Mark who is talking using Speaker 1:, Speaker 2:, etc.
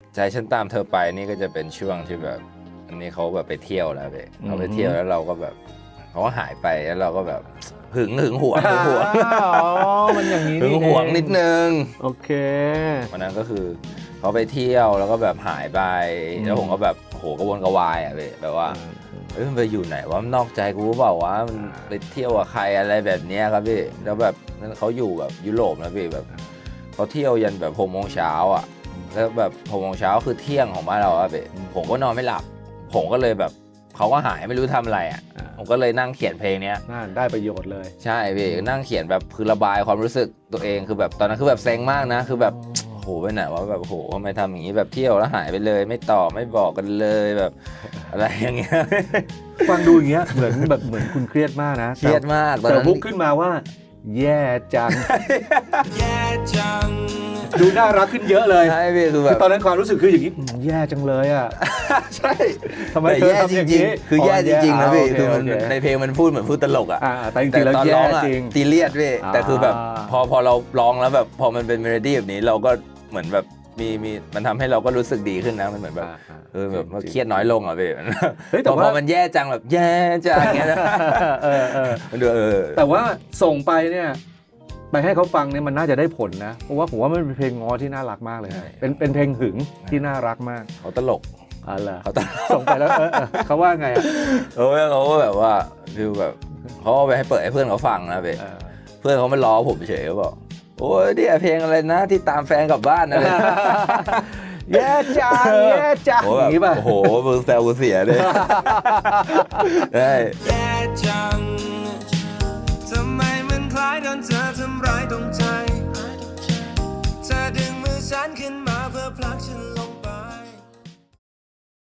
Speaker 1: ใจฉันตามเธอไปนี่ก็จะเป็นช่วงที่แบบอันนี้เขาแบบไปเที่ยวแล้วเขาไปเที่ยวแล้วเราก็แบบเขาก็หายไปแล้วเราก็แบบหึงหวง
Speaker 2: อ๋อมันอย่างนี้
Speaker 1: หึงหวงนิดนึง
Speaker 2: โอเค
Speaker 1: วันนั้นก็คือเขาไปเที่ยวแล้วก็แบบหายไปแล้วผมก็แบบโหกระวนกระวายอ่ะพี่แบบว่าเฮ้ยมันไปอยู่ไหนวะมันนอกใจกูเปล่าวะมันไปเที่ยวกับใครอะไรแบบเนี้ยครับพี่แล้วแบบนั้นเขาอยู่แบบยุโรปนะพี่แบบเขาเที่ยวยันแบบ6 โมงเช้าอ่ะแล้วแบบ6 โมงเช้าคือเที่ยงของบ้านเราอ่ะพี่ผมก็นอนไม่หลับผมก็เลยแบบเขาก็หายไม่รู้ทำอะไรอ่ะผมก็เลยนั่งเขียนเพลงเนี้ย
Speaker 2: น่าได้ประโยชน์เลย
Speaker 1: ใช่พี่นั่งเขียนแบบคือระบายความรู้สึกตัวเองคือแบบตอนนั้นคือแบบเซ็งมากนะคือแบบโหไปไหนวะแบบโหทำไมทำอย่างนี้แบบเที่ยวแล้วหายไปเลยไม่ตอบไม่บอกกันเลยแบบอะไรอย่างเงี้ย
Speaker 2: ฟังดูอย่างเงี้ยเหมือนคุณเครียดมากนะ
Speaker 1: เครียดมากตอน
Speaker 2: แต่
Speaker 1: นั้น
Speaker 2: บุ๊กขึ้นมาว่า แย่จัง
Speaker 3: แย่จัง
Speaker 2: ดูน่ารักขึ้นเยอะเลย
Speaker 1: ใช่พี่คือแบบ
Speaker 2: ตอนนั้นความรู้สึกคืออย่างนี้แย่จังเลยอ่ะ
Speaker 1: ใช่
Speaker 2: ทำไม
Speaker 1: แต่
Speaker 2: เธอ
Speaker 1: แย่
Speaker 2: ทำ
Speaker 1: จ
Speaker 2: อย่าง
Speaker 1: ริง
Speaker 2: นี้
Speaker 1: ๆคือแย่จริงๆนะพี่คือมัน
Speaker 2: โเ
Speaker 1: ในเพลงมันพูดเหมือนพูดตลกอ่ะ
Speaker 2: แต่จริงๆแล้ว
Speaker 1: ตอน
Speaker 2: แย่
Speaker 1: ร้องอ่ะ
Speaker 2: จริง
Speaker 1: ตีเลียดพี่แต่คือแบบ
Speaker 2: อ่า
Speaker 1: พอเราร้องแล้วแบบพอมันเป็นเมโลดี้แบบนี้เราก็เหมือนแบบมีมันทำให้เราก็รู้สึกดีขึ้นนะมันเหมือนแบบแบบว่าเครียดน้อยลงอ่ะพี่
Speaker 2: เฮ้ยแต่ว่า
Speaker 1: พอมันแย่จังแบบแย่จังอย่างเงี้ยนะ มันดู
Speaker 2: แต่ว่าส่งไปเนี่ยไปให้เขาฟังเนี่ยมันน่าจะได้ผลนะเพราะว่าผมว่ามันเป็นเพลงง้อที่น่ารักมากเลยเป็นเพลงหึงที่น่ารักมาก
Speaker 1: เขาตลก
Speaker 2: อะไร
Speaker 1: เขาตลก
Speaker 2: ส่งไปแล้วเขาว่าไงอ่ะ
Speaker 1: เขาก็แบบว่าดูแบบเขาเอาไปให้เปิดให้เพื่อนเขาฟังนะพี่เพื่อนเขาไม่ล้อผมเฉยเขาบอกโอ้ยเนี่ยเพลงอะไรนะที่ตามแฟนกลับบ้านอะไร
Speaker 2: แย่จังแย่จัง
Speaker 1: โอ้
Speaker 2: อย่างนี้ป่ะ
Speaker 1: โอ้โหมึงแซวกูเสียเลยได้
Speaker 3: แย่จัง ทำไมมันคล้ายโดนเธอทำร้ายตรงใจ เธอดึงมือฉันขึ้นมาเพื่อผลักฉัน